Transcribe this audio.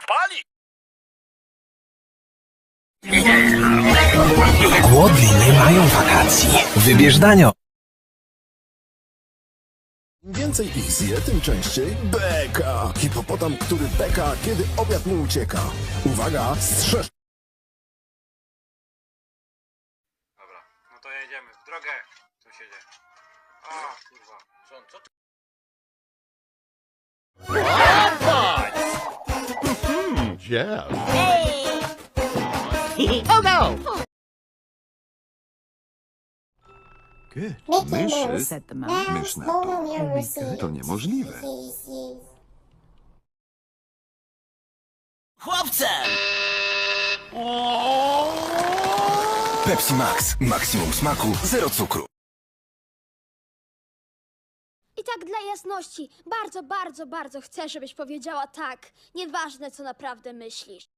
pali! Głodni nie mają wakacji. Wybierz danio. Im więcej ich zje, tym częściej beka. Hipopotam, który beka, kiedy obiad mu ucieka. Uwaga, strzeż... Dobra, no to jedziemy w drogę, sąsiedzie. A, kurwa. Co ty? Yeah. Oh no! Myszy? Said the mouse. Mysz na to. To niemożliwe. Pepsi Max. Maksimum smaku, zero cukru. I tak dla jasności, bardzo, bardzo, bardzo chcę, żebyś powiedziała tak. Nieważne, co naprawdę myślisz.